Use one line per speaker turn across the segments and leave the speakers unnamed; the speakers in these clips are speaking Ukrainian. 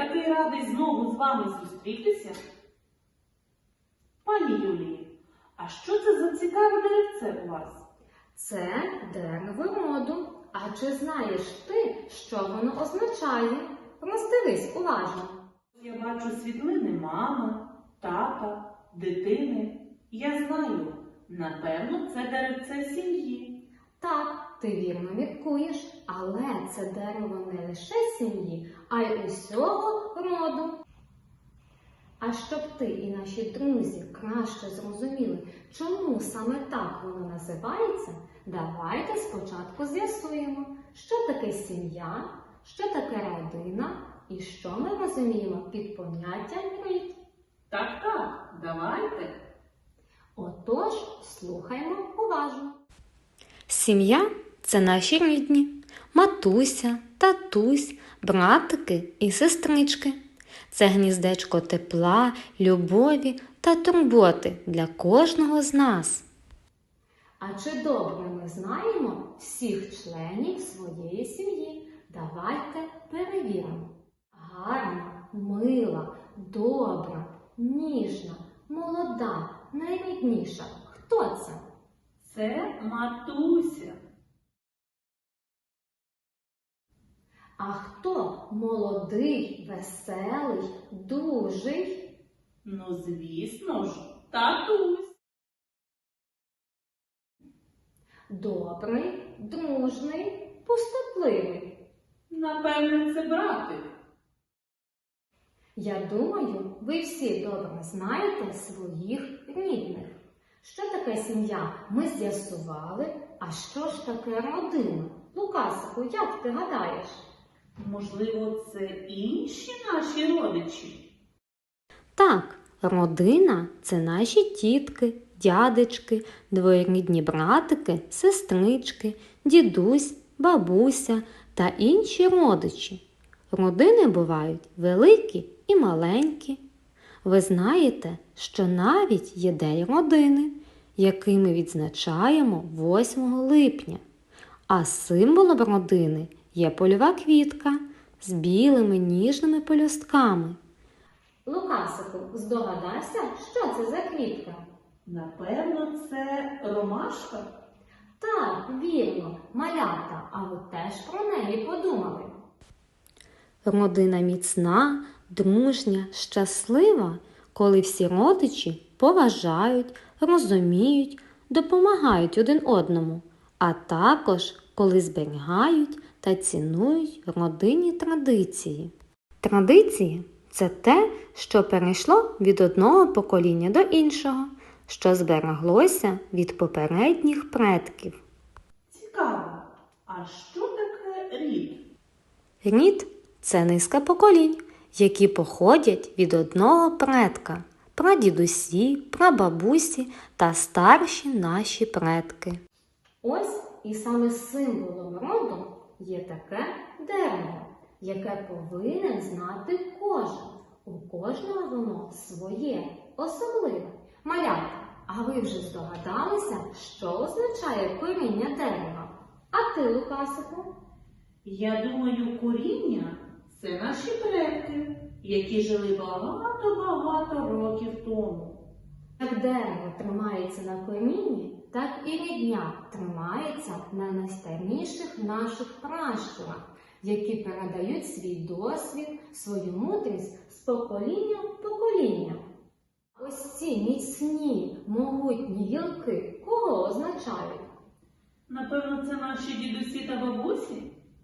такий радий знову з вами зустрітися. Пані Юлії, а що це за цікаве деревце у вас?
Це дерево роду. А чи знаєш ти, що воно означає? Роздивись уважно.
Я бачу світлини мами, тата, дитини. Я знаю, напевно, це деревце сім'ї.
Так, ти вірно міркуєш, але це дерево не лише сім'ї, а й усього роду. А щоб ти і наші друзі краще зрозуміли, чому саме так воно називається, давайте спочатку з'ясуємо, що таке сім'я, що таке родина і що ми розуміємо під поняттям рід.
Так, давайте.
Отож, слухаймо уважно.
Сім'я – це наші рідні, матуся, татусь, братики і сестрички. Це гніздечко тепла, любові та турботи для кожного з нас.
А чи добре ми знаємо всіх членів своєї сім'ї? Давайте перевіримо. Гарна, мила, добра, ніжна, молода, найрідніша. Хто це?
Це матуся.
А хто молодий, веселий, дужий?
Ну, звісно ж, татусь.
Добрий, дружний, пустотливий.
Напевне, це братик.
Я думаю, ви всі добре знаєте своїх рідних. Що таке сім'я, ми з'ясували, а що ж таке родина? Лукасику, як ти гадаєш?
Можливо, це інші наші родичі?
Так, родина – це наші тітки, дядечки, двоюрідні братики, сестрички, дідусь, бабуся та інші родичі. Родини бувають великі і маленькі. Ви знаєте, що навіть є День родини, який ми відзначаємо 8 липня. А символом родини є польова квітка з білими ніжними пелюстками.
Лукасику, здогадайся, що це за квітка?
Напевно, це ромашка.
Так, вірно, малята, а ви теж про неї подумали.
Родина міцна, дружня, щаслива, коли всі родичі поважають, розуміють, допомагають один одному, а також коли зберігають та цінують родинні традиції. Традиції – це те, що перейшло від одного покоління до іншого, що збереглося від попередніх предків.
Цікаво. А що таке рід?
Рід – це низка поколінь, які походять від одного предка – прадідусі, прабабусі та старші наші предки.
Ось і саме символом роду є таке дерево, яке повинен знати кожен. У кожного воно своє, особливе. Малята, а ви вже здогадалися, що означає коріння дерева? А ти, Лукасику?
Я думаю, коріння – це наші предки, які жили багато-багато років тому.
Як дерево тримається на корінні, так і рідня тримається на найстаріших наших пращурах, які передають свій досвід, свою мудрість з покоління в покоління. Ось ці міцні, могутні гілки кого означають?
Напевно, це наші дідусі та бабусі?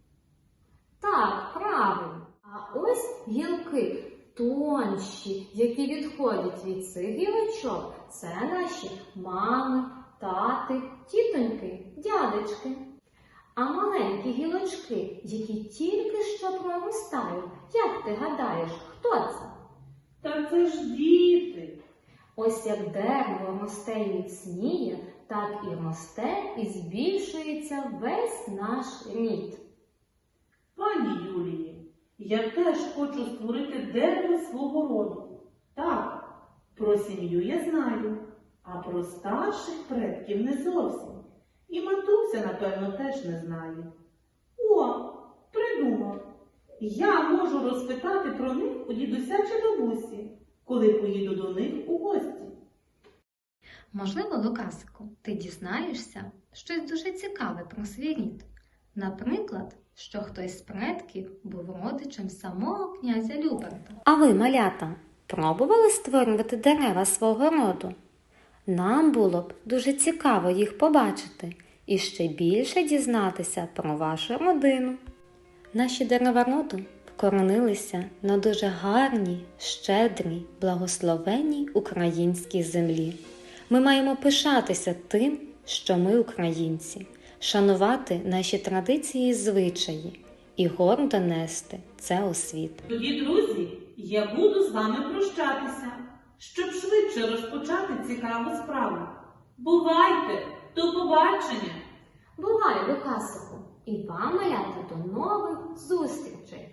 Так, правильно. А ось гілки тонші, які відходять від цих гілочок, це наші мами, тати, тітоньки, дядечки. А маленькі гілочки, які тільки що проростають, як ти гадаєш, хто це?
Та це ж діти.
Ось як дерево росте і міцніє, так і росте і збільшується весь наш рід.
Пані Юлії, я теж хочу створити дерево свого роду. Так, про сім'ю я знаю, а про старших предків не зовсім. І матуся, напевно, теж не знає. О, придумав! Я можу розпитати про них у дідуся чи бабусі, коли поїду до них у гості?
Можливо, Лукасику, ти дізнаєшся щось дуже цікаве про свій рід. Наприклад, що хтось з предків був родичем самого князя Люберта. А ви, малята, пробували створювати дерева свого роду? Нам було б дуже цікаво їх побачити і ще більше дізнатися про вашу родину. Наші дерева роду вкоренилися на дуже гарній, щедрій, благословенній українській землі. Ми маємо пишатися тим, що ми українці, шанувати наші традиції і звичаї і гордо нести це у світ.
Тоді, друзі, я буду з вами прощатися, щоб швидше розпочати цікаву справу. Бувайте! До побачення!
Бувай, Лукасику, і вам, малята, до нових зустрічей!